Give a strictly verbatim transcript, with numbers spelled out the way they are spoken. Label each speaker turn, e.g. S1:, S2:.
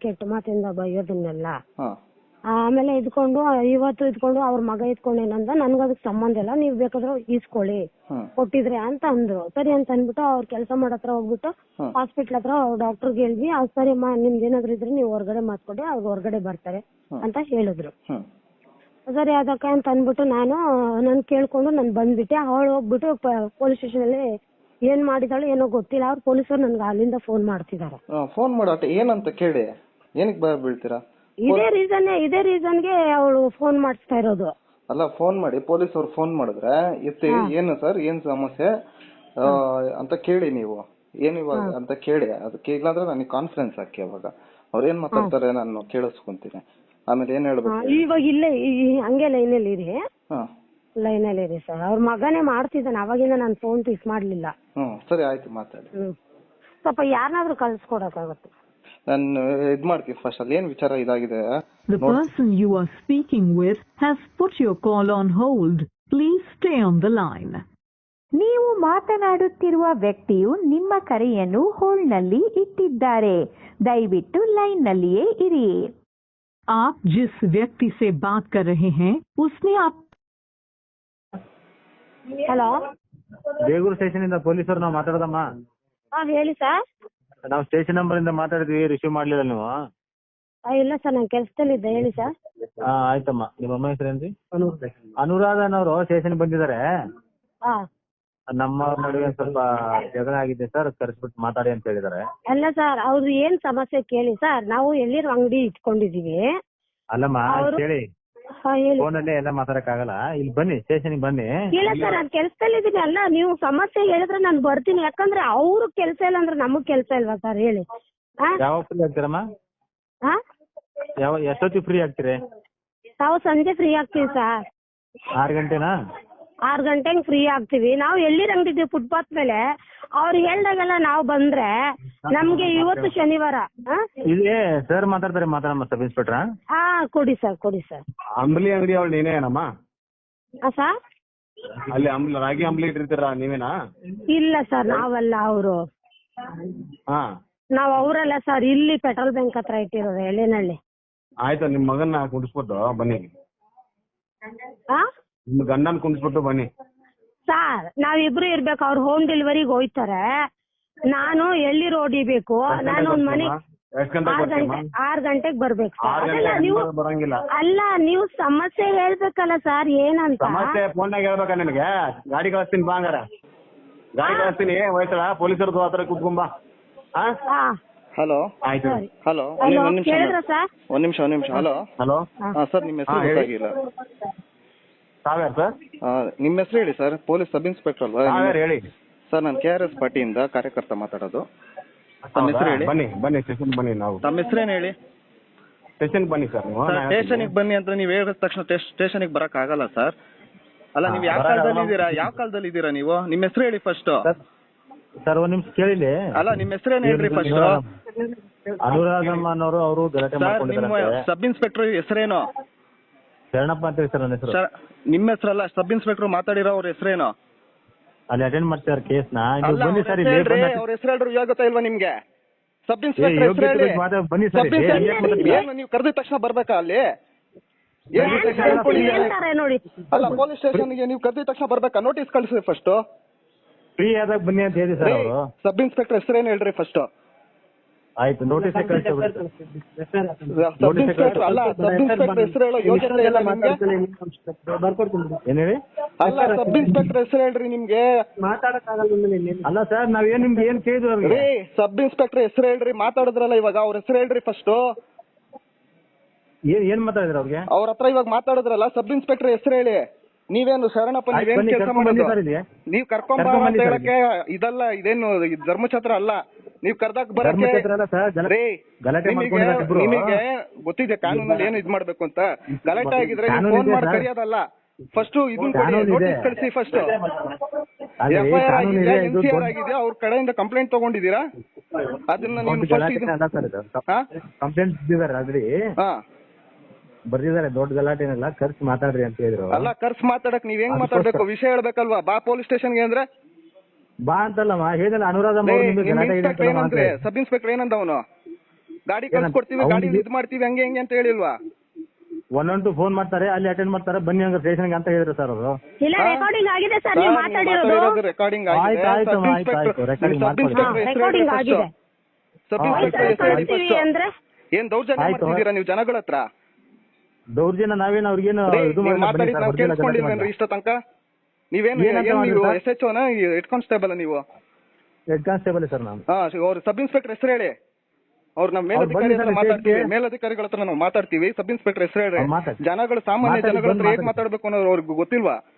S1: ಕೆಟ್ಟ ಮಾತಿಂದ ಬೈಯೋದನ್ನೆಲ್ಲ.
S2: ಹಾ
S1: ಆಮೇಲೆ ಇದ್ಕೊಂಡು ಇವತ್ತು ಇದ್ಕೊಂಡು ಅವ್ರ ಮಗ ಇದ್ಕೊಂಡು ಏನಂದ, ನನ್ಗ ಅದಕ್ಕೆ ಸಂಬಂಧ ಇಲ್ಲ, ನೀವ್ ಬೇಕಾದ್ರೆ ಈಸ್ಕೊಳ್ಳಿ
S2: ಹ್ಮ್
S1: ಕೊಟ್ಟಿದ್ರೆ ಅಂತ ಅಂದ್ರು. ಸರಿ ಅಂತ ಅಂದ್ಬಿಟ್ಟು ಅವ್ರ ಕೆಲಸ ಮಾಡೋ ಹತ್ರ ಹೋಗ್ಬಿಟ್ಟು
S2: ಹ್ಮ್
S1: ಹಾಸ್ಪಿಟ್ಲ್ ಹತ್ರ ಡಾಕ್ಟರ್ಗೆ ಹೇಳಿದ್ವಿ. ಅವ್ರು ಸರಿ ಅಮ್ಮ ನಿಮ್ದು ಏನಾದ್ರು ಇದ್ರೆ ನೀವು ಹೊರಗಡೆ ಮಾತ್ಕೊಡಿ, ಅವ್ರು ಹೊರಗಡೆ ಬರ್ತಾರೆ ಅಂತ ಹೇಳಿದ್ರು.
S2: ಹ್ಮ್
S1: ಸರಿ ಅದಕ್ಕೆ ಅಂತ ಅಂದ್ಬಿಟ್ಟು ನಾನು ನನ್ ಕೇಳ್ಕೊಂಡು ನಾನು ಬಂದ್ಬಿಟ್ಟೆ. ಅವಳು ಹೋಗ್ಬಿಟ್ಟು ಪೊಲೀಸ್ ಸ್ಟೇಷನ್ ಅಲ್ಲಿ ಏನ್ ಮಾಡಿದಾಳು ಏನೋ ಗೊತ್ತಿಲ್ಲ, ಅವ್ರು ಪೊಲೀಸರು ನನ್ಗೆ ಅಲ್ಲಿಂದ ಫೋನ್ ಮಾಡ್ತಿದಾರೆ.
S2: ಫೋನ್ ಮಾಡಾಟ ಏನಂತ ಕೇಳಿ ಏನಕ್ಕೆ ಭಯ ಬೀಳ್ತೀರಾ?
S1: ಇದೇ ರೀಸನ್ ಇದೇ ರೀಸನ್ಗೆ ಅವಳು ಫೋನ್ ಮಾಡಿಸ್ತಾ ಇರೋದು.
S2: ಅಲ್ಲ ಫೋನ್ ಮಾಡಿ ಪೊಲೀಸ್ ಅವ್ರು ಫೋನ್ ಮಾಡಿದ್ರೆ ಎತ್ತಿ ಏನು ಸರ್ ಏನ್ ಸಮಸ್ಯೆ ಅಂತ ಕೇಳಿ ನೀವು ಏನ್ ಇವಾಗ ಅಂತ ಕೇಳಿ. ಅದಕ್ಕೆ ಇಲ್ಲಾಂದ್ರೆ ನನಗೆ ಕಾನ್ಫಿಡೆನ್ಸ್ ಹಾಕಿ ಅವಾಗ ಅವ್ರ ಏನ್ ಮಾತಾಡ್ತಾರೆ ನಾನು ಕೇಳಿಸ್ಕೊಂತೀನಿ. ಆಮೇಲೆ ಏನ್ ಹೇಳ್ಬೇಕು
S1: ಇವಾಗ ಇಲ್ಲೇ ಹಂಗೆ ಲೈನಲ್ಲಿ ಇರಿ.
S2: ಹಾ
S1: ಲೈನಲ್ಲಿ ಇರಿ ಸರ್. ಅವ್ರ ಮಗನೇ ಮಾಡ್ತಿದ್ದಾನೆ, ಅವಾಗಿಂದ ನಾನು ಫೋನ್ ಪಿಕ್ ಮಾಡ್ಲಿಲ್ಲ.
S2: ಹ್ಮ್ ಸರಿ ಆಯ್ತು ಮಾತಾಡಿ.
S1: ಹ್ಮ್ ಸ್ವಲ್ಪ ಯಾರನ್ನಾದ್ರೂ ಕಳ್ಸ್ಕೊಡಕ್ಕಾಗತ್ತೆ.
S2: ನಾನು ಇದ್ ಮಾಡ್ತೀನಿ ಫಸ್ಟ್ ಅಲ್ಲಿ ಏನ್ ವಿಚಾರ ಇದಾಗಿದೆ.
S3: The person you are speaking with has put your call on hold. Please stay on the line.
S4: ನೀವು ಮಾತನಾಡುತ್ತಿರುವ ವ್ಯಕ್ತಿಯು ನಿಮ್ಮ ಕರೆಯನ್ನು ಹೋಲ್ಡ್ನಲ್ಲಿ ಇಟ್ಟಿದ್ದಾರೆ. ದಯವಿಟ್ಟು ಲೈನ್ನಲ್ಲಿಯೇ ಇರಿ.
S3: आप जिस व्यक्ति से बात कर रहे हैं उसने आप
S1: ಹಲೋ
S5: ಬೇಗೂರು ಸ್ಟೇಷನ್ ಇಂದ ಪೊಲೀಸರು ನಾವು ಮಾತಾಡೋದಮ್ಮ.
S1: ಹಾ ಹೇಳಿ ಸರ್.
S5: ನಾವು ಸ್ಟೇಷನ್ ನಂಬರ್ ಇಂದ ಮಾತಾಡಿದ್ವಿ, ರಿಸೀವ್ ಮಾಡ್ಲಿಲ್ಲ ನೀವು?
S1: ಇಲ್ಲ ಸರ್ ನಾನು ಕೆಲಸದಲ್ಲಿದ್ದೆ, ಹೇಳಿ ಸರ್.
S5: ಹಾ ಆಯ್ತಮ್ಮ. ನಿಮ್ಮ ಅಮ್ಮ ಹೆಸರೇನ್ರಿ? ಅನುರಾಧನವರು ಸ್ಟೇಷನ್ ಬಂದಿದ್ದಾರೆ.
S1: ಹಾ
S5: ನಮ್ಮ ನಡುವೆ ಸ್ವಲ್ಪ ಜಗಳ ಆಗಿದೆ ಸರ್, ಕರೆಸ್ಬಿಟ್ಟು ಮಾತಾಡಿ ಅಂತ ಹೇಳಿದಾರೆ.
S1: ಅಲ್ಲ ಸರ್ ಅವ್ರು ಏನ್ ಸಮಸ್ಯೆ ಕೇಳಿ ಸರ್. ನಾವು ಎಲ್ಲಿರೋ ಅಂಗಡಿ ಇಟ್ಕೊಂಡಿದೀವಿ.
S5: ಅಲ್ಲಮ್ಮ ಕೇಳಿ,
S1: ಹಾ ಹೇಳಿ.
S5: ಫೋನಲ್ಲೇ ಎಲ್ಲ ಮಾತಾಡಕ್ ಆಗಲ್ಲ, ಇಲ್ಲಿ ಬನ್ನಿ ಸ್ಟೇಷನ್ ಬನ್ನಿ.
S1: ಇಲ್ಲ ಸರ್ ನಾನು ಕೆಲಸದಲ್ಲಿ ಇದೀನಿ. ಅಲ್ಲ ನೀವು ಸಮಸ್ಯೆ ಹೇಳಿದ್ರೆ ನಾನು ಬರ್ತೀನಿ, ಯಾಕಂದ್ರೆ ಅವ್ರು ಕೆಲಸ ಇಲ್ಲ ಅಂದ್ರೆ ನಮಗ್ ಕೆಲಸ ಇಲ್ವಾ ಸರ್ ಹೇಳಿ.
S5: ಯಾವ ಫ್ರೀ ಆಗ್ತೀರಮ್ಮ?
S1: ಹಾ
S5: ಯಾವ ಎಷ್ಟೊತ್ತಿಗೆ ಫ್ರೀ ಆಗ್ತೀರಿ?
S1: ನಾವು ಸಂಜೆ ಫ್ರೀ ಆಗ್ತೀವಿ ಸರ್.
S5: ಆರು ಗಂಟೆನಾ?
S1: ಆರು ಗಂಟೆಗೆ ಫ್ರೀ ಆಗ್ತೀವಿ. ನಾವು ಎಲ್ಲಿ ಅಂಗಡಿದ್ವಿ ಫುಟ್ಪಾತ್ ಮೇಲೆ. ಅವ್ರು ಹೇಳ್ದಾಗೆಲ್ಲ ನಾವು ಬಂದ್ರೆ ನಮ್ಗೆ ಇವತ್ತು ಶನಿವಾರ.
S5: ಇಲ್ಲಿ ಸರ್ ಮಾತಾಡ್ತಾರೆ, ಮಾತಾಡಮ್ಮ. ಸಬ್ ಇನ್ಸ್ಪೆಕ್ಟ್ರಾ?
S1: ಹಾ ಕೊಡಿ ಸರ್ ಕೊಡಿ ಸರ್.
S5: ಅಂಬ್ಲಿ ಅಂಗಡಿ ಅವಳು ನೀನೇನಮ್ಮ?
S1: ಹಾ ಸರ್
S5: ಅಲ್ಲಿ ಅಂಬ್ಲಿ ರಾಗಿ ಅಂಬ್ಲಿ ಇಟ್ಟಿರ್ತೀರಾ ನೀವೇನಾ?
S1: ಇಲ್ಲ ಸರ್ ನಾವಲ್ಲ, ಅವರು.
S5: ಹಾ
S1: ನಾವ್ ಅವರಲ್ಲ ಸರ್, ಇಲ್ಲಿ ಪೆಟ್ರೋಲ್ ಬ್ಯಾಂಕ್ ಹತ್ರ ಇಟ್ಟಿರೋದು ಎಳ್ಳಿನಹಳ್ಳಿ.
S5: ಆಯ್ತು, ನಿಮ್ ಮಗನ್ನ ಕುಂಡಿಸ್ಬಿಟ್ಟು ಬನ್ನಿ.
S1: ಹಾ
S5: ನಿಮ್ ಗಂಡನ್ ಕುಂಡಿಸ್ಬಿಟ್ಟು ಬನ್ನಿ
S1: ಸರ್. ನಾವಿಬ್ರು ಇರ್ಬೇಕು. ಅವ್ರು ಹೋಮ್ ಡೆಲಿವರಿಗೆ ಹೋಯ್ತಾರೆ, ನಾನು ಎಳ್ಳಿ ರೋಡ್ ಇಬೇಕು. ನಾನು ಒಂದ್ ಮನೆ ಆರ್ ಗಂಟೆ ಆರ್ ಗಂಟೆಗೆ ಬರ್ಬೇಕು ಸರ್. ಅದಲ್ಲ ನೀವು
S5: ಬರಂಗಿಲ್ಲ.
S1: ಅಲ್ಲ ನೀವು ಸಮಸ್ಯೆ ಹೇಳ್ಬೇಕಲ್ಲ ಸರ್ ಏನಂತ.
S5: ಸಮಸ್ಯೆ ಫೋನ್ನಾಗ ಹೇಳ್ಬೇಕಾ ನಿನಗೆ? ಗಾಡಿ ಕಳಿಸ್ತೀನಿ ಬಾ ಹಂಗಾರ. ಗಾಡಿ ಕಳಿಸ್ತೀನಿ, ಹೋಯ್ತಾಳ ಪೊಲೀಸರದು ಹತ್ರ ಕುತ್ಕೊಂಬಾ.
S1: ಹಾ
S2: ಹಲೋ
S5: ಆಯ್ತು.
S2: ಹಲೋ ಒಂದ್ ನಿಮಿಷ
S1: ಕೇಳಿದ್ರ ಸರ್?
S2: ಒಂದ್ ನಿಮಿಷ ಒಂದ್ ನಿಮಿಷ ಹಲೋ
S5: ಹಲೋ
S2: ಹಾ ಸರ್ ನಿಮ್ಮ ಹೆಸರು ಗೊತ್ತಾಗಿಲ್ಲ.
S5: ತಾವ್ಯಾರು ಸರ್?
S2: ನಿಮ್ಮ ಹೆಸರು ಹೇಳಿ ಸರ್. ಪೊಲೀಸ್ ಸಬ್ ಇನ್ಸ್ಪೆಕ್ಟರ್ ಅಲ್ವಾ?
S5: ತಾವ್ಯಾರು ಹೇಳಿ
S2: ಸರ್ ನಾನು ಕೆ ಆರ್ ಎಸ್ ಪಾರ್ಟಿಯಿಂದ ಕಾರ್ಯಕರ್ತ ಮಾತಾಡೋದು. ತಮ್ಮ ಹೆಸರು ಹೇಳಿ.
S5: ಬನ್ನಿ ಬನ್ನಿ ಸ್ಟೇಷನ್ ಬನ್ನಿ. ನಾವು
S2: ತಮ್ಮ ಹೆಸರೇನು ಹೇಳಿ?
S5: ಸ್ಟೇಷನ್ ಬನ್ನಿ ಸರ್. ನೀವು
S2: ಸ್ಟೇಷನ್ಗೆ ಬನ್ನಿ ಅಂತ ನೀವು ಹೇಳಿದ ತಕ್ಷಣ ಸ್ಟೇಷನ್ಗೆ ಬರಕ್ ಆಗಲ್ಲ ಸರ್. ಅಲ್ಲ ನೀವು ಯಾವ ಕಾಲದಲ್ಲಿ ಇದ್ದೀರಾ? ಯಾವ ಕಾಲದಲ್ಲಿ ಇದ್ದೀರಾ ನೀವು? ನಿಮ್ಮ ಹೆಸರು ಹೇಳಿ ಫಸ್ಟ್.
S5: ಸರ್ ಒಂದ್ ನಿಮಿಷ ಕೇಳಿಲಿ.
S2: ಅಲ್ಲ ನಿಮ್ಮ ಹೆಸರೇನು ಹೇಳ್ರಿ ಫಸ್ಟ್.
S5: ಅನುರಾಧಮ್ಮ ಅನ್ನೋರು ಅವರು ಗಲಾಟೆ ಮಾಡ್ಕೊಂಡಿದ್ದಾರೆ.
S2: ಸಬ್ ಇನ್ಸ್ಪೆಕ್ಟರ್ ಹೆಸರೇನು?
S5: ಶರಣಪ್ಪ ಅಂತ ಹೇಳಿ ಸರ್ ನನ್ನ ಹೆಸರು.
S2: ನಿಮ್ಮ ಹೆಸರಲ್ಲ, ಸಬ್ ಇನ್ಸ್ಪೆಕ್ಟರ್ ಮಾತಾಡಿರೋ ಅವ್ರ ಹೆಸರೇನು?
S5: ಅಲ್ಲಿ ಅಟೆಂಡ್ ಮಾಡ್ತಾರೆ ಕೇಸ್ನ. ಬನ್ನಿ ಸರ್.
S2: ಅವ್ರ ಹೆಸರು ಹೇಳ್ರಿ, ಗೊತ್ತಾ ಇಲ್ವಾ ನಿಮ್ಗೆ? ಸಬ್ ಇನ್ಸ್ಪೆಕ್ಟರ್ ಹೆಸರು ಹೇಳಿ.
S5: ಬನ್ನಿ ಸರ್.
S2: ಏನು ನೀವು ಕರೆದ ತಕ್ಷಣ ಬರ್ಬೇಕಾ ಅಲ್ಲಿ?
S1: ನೋಡಿ
S2: ಅಲ್ಲ ಪೊಲೀಸ್ ಸ್ಟೇಷನ್ಗೆ ನೀವು ಕರೆದ ತಕ್ಷಣ ಬರ್ಬೇಕಾ? ನೋಟಿಸ್ ಕಳಿಸಿ ಫಸ್ಟ್.
S5: ಫ್ರೀ ಆದಾಗ ಬನ್ನಿ ಅಂತ ಹೇಳಿ ಸರ್ ಅವರು.
S2: ಸಬ್ ಇನ್ಸ್ಪೆಕ್ಟರ್ ಹೆಸರೇನು ಹೇಳ್ರಿ ಫಸ್ಟ್.
S5: ಆಯ್ತು, ನೋಟಿಸ್ ಕಳಿಸಿ.
S2: ಸಬ್ ಇನ್ಸ್ಪೆಕ್ಟರ್ ಅಲ್ಲ, ಸಬ್ ಇನ್ಸ್ಪೆಕ್ಟರ್ ಹೆಸರು ಹೇಳೋ ಯೋಗ್ಯತೆ ಇಲ್ಲ ನಿಮ್ಗೆ?
S5: ಏನ್ ಹೇಳಿ?
S2: ಅಲ್ಲ ಸಬ್ ಇನ್ಸ್ಪೆಕ್ಟರ್ ಹೆಸರು ಹೇಳ್ರಿ ನಿಮ್ಗೆ.
S5: ಅಲ್ಲ ಸರ್ ನಾವೇನ್ ನಿಮ್ಗೆ ಏನ್ ಕೇಳಿದ್ವಿ?
S2: ಸಬ್ ಇನ್ಸ್ಪೆಕ್ಟರ್ ಹೆಸರು ಹೇಳ್ರಿ. ಮಾತಾಡಿದ್ರಲ್ಲ ಇವಾಗ, ಅವ್ರ ಹೆಸರು ಹೇಳ್ರಿ ಫಸ್ಟ್.
S5: ಏನ್ ಏನ್ ಮಾತಾಡಿದ್ರ ಅವ್ರಿಗೆ? ಅವ್ರ
S2: ಹತ್ರ ಇವಾಗ ಮಾತಾಡಿದ್ರಲ್ಲ, ಸಬ್ ಇನ್ಸ್ಪೆಕ್ಟರ್ ಹೆಸರು ಹೇಳಿ. ನೀವೇನು ಶರಣಪ್ಪ, ನೀವೇನ್ ಕೆಲಸ ಮಾಡೋದು? ನೀವ್ ಕರ್ಕೊಂಬ ಅಂತ ಹೇಳಕ್ಕೆ ಇದಲ್ಲ, ಇದೇನು ಧರ್ಮಛತ್ರ ಅಲ್ಲ. ನೀವ್ ಕರ್ದಾಕ್ ಬರಕ್ಕೆ ನಿಮಗೆ ಗೊತ್ತಿದೆ ಕಾನೂನಲ್ಲಿ ಏನು ಇದ್ ಮಾಡ್ಬೇಕು ಅಂತ. ಗಲಾಟೆ ಆಗಿದ್ರೆ ನೀವು ಫೋನ್ ಮಾಡಿ ಕರೆಯೋದಲ್ಲ. ಫಸ್ಟ್ ಇದನ್ನ ನೋಟಿಸ್ ಕಳಿಸಿ ಫಸ್ಟ್. ಎಫ್ ಐ ಆರ್ ಆಗಿದೆ, ಎನ್ ಸಿ ಆರ್ ಆಗಿದೆ, ಅವ್ರ ಕಡೆಯಿಂದ ಕಂಪ್ಲೇಂಟ್ ತಗೊಂಡಿದ್ದೀರಾ? ಅದನ್ನ ನೀವು
S5: ಕಂಪ್ಲೇಂಟ್ ಹಾ ಬರ್ದಿದ್ದಾರೆ. ದೊಡ್ಡ ಗಲಾಟೆ ಏನಿಲ್ಲ, ಖರ್ಚು ಮಾತಾಡ್ರಿ ಅಂತ ಹೇಳಿದ್ರು.
S2: ಅಲ್ಲ ಖರ್ಚು ಮಾತಾಡಕ್ ನೀವ್ ಹೆಂಗ್ ಮಾತಾಡ್ಬೇಕು? ವಿಷಯ ಹೇಳ್ಬೇಕಲ್ವಾ? ಬಾ ಪೊಲೀಸ್ ಸ್ಟೇಷನ್ಗೆ ಅಂದ್ರೆ
S5: ಬಾ ಅಂತಲ್ಲಮ್ಮ ಹೇಳಿದಲ್ಲ. ಅನುರಾಧ
S2: ಸಬ್ ಇನ್ಸ್ಪೆಕ್ಟರ್ ಏನಂದ ಅವನು? ಗಾಡಿ ಕಳ್ಸ್ಕೊಡ್ತೀವಿ ಗಾಡಿ ಇದ್ ಮಾಡ್ತೀವಿ ಹಂಗೆ ಹೆಂಗೆ ಅಂತ ಹೇಳಿಲ್ವಾ?
S5: ಒನ್ ಒನ್ ಟು ಫೋನ್ ಮಾಡ್ತಾರೆ, ಅಲ್ಲಿ ಅಟೆಂಡ್ ಮಾಡ್ತಾರೆ, ಬನ್ನಿ ಹಂಗ ಸ್ಟೇಷನ್ಗೆ ಅಂತ ಹೇಳಿದ್ರು ಸರ್ ಅವರು.
S1: ಇಲ್ಲ ರೆಕಾರ್ಡಿಂಗ್ ಆಗಿದೆ ಸರ್, ನೀವು ಮಾತಾಡಿರೋದು
S2: ರೆಕಾರ್ಡಿಂಗ್
S5: ಆಯ್ತು ಆಯ್ತು ಆಯ್ತು ಆಯ್ತು ರೆಕಾರ್ಡಿಂಗ್ ಮಾಡ್ಕೊಳ್ಳಿ.
S1: ರೆಕಾರ್ಡಿಂಗ್ ಆಗಿದೆ.
S2: ಸಬ್
S1: ವಯಸ್ಸಲ್ಲಿ
S2: ಇನ್ಸ್ಪೆಕ್ಟರ್
S1: ಕಳಿಸ್ತೀವಿ ಅಂದ್ರೆ
S2: ಏನ್ ದೌರ್ಜನ್ಯ
S5: ಆಯ್ತು.
S2: ಮಾಡ್ತಿದ್ದೀರಾ ನೀವು ಜನಗಳ ಹತ್ರ?
S5: ದೌರ್ಜನ್ಯ ನಾವೇನು ಅವ್ರಿಗೇನು ಇದು
S2: ನೀವು
S5: ಮಾಡಿಲ್ಲ, ಬನ್ನಿ
S2: ಮಾತಾಡಿದ್
S5: ಸರ್,
S2: ನಾವು
S5: original ಗಲಾಟೆ
S2: ಕೇಳಿಸ್ಕೊಂಡಿಲ್ವೇನ್ರಿ
S5: ಮಾಡಿಲ್ಲ.
S2: ಇಷ್ಟ ತನಕ? ನೀವೇನು
S5: ಏನಂತ
S2: ಏನ್ ನೀವು
S5: ಮಾಡಿದ್ರು
S2: ಎಸ್ ಎಚ್ ಓನ ಹೆಡ್ ಕಾನ್ಸ್ಟೇಬಲ್ ನೀವು?
S5: ಹೆಡ್ ಕಾನ್ಸ್ಟೇಬಲ್ ಸರ್ ನಾನು.
S2: ಹಾ, ಅವ್ರ ಸಬ್ ಇನ್ಸ್ಪೆಕ್ಟರ್ ಹೆಸರು ಹೇಳಿ. ಅವ್ರು ನಮ್ಮ
S5: ಅವ್ರು
S2: ಮೇಲಧಿಕಾರಿ
S5: ಬನ್ನಿ
S2: ಹತ್ರ
S5: ಸರ್,
S2: ಮಾತಾಡ್ತೀವಿ,
S5: ಸ್ಟೇಟ್ಗೆ.
S2: ಮೇಲಧಿಕಾರಿಗಳ ಹತ್ರ ನಾವು ಮಾತಾಡ್ತೀವಿ. ಸಬ್ ಇನ್ಸ್ಪೆಕ್ಟರ್ ಹೆಸರು ಹೇಳ್ರಿ.
S5: ಅವ್ರು ಮಾತಾಡಿ.
S2: ಜನಗಳು ಸಾಮಾನ್ಯ
S5: ಮಾತಾಡಿ,
S2: ಜನಗಳ ಹತ್ರ
S5: ಬಂದು
S2: ಹೇಗ್
S5: ಮಾತಾಡಿ.
S2: ಮಾತಾಡ್ಬೇಕು ಅನ್ನೋದು ಅವ್ರಿಗೆ ಗೊತ್ತಿಲ್ವಾ?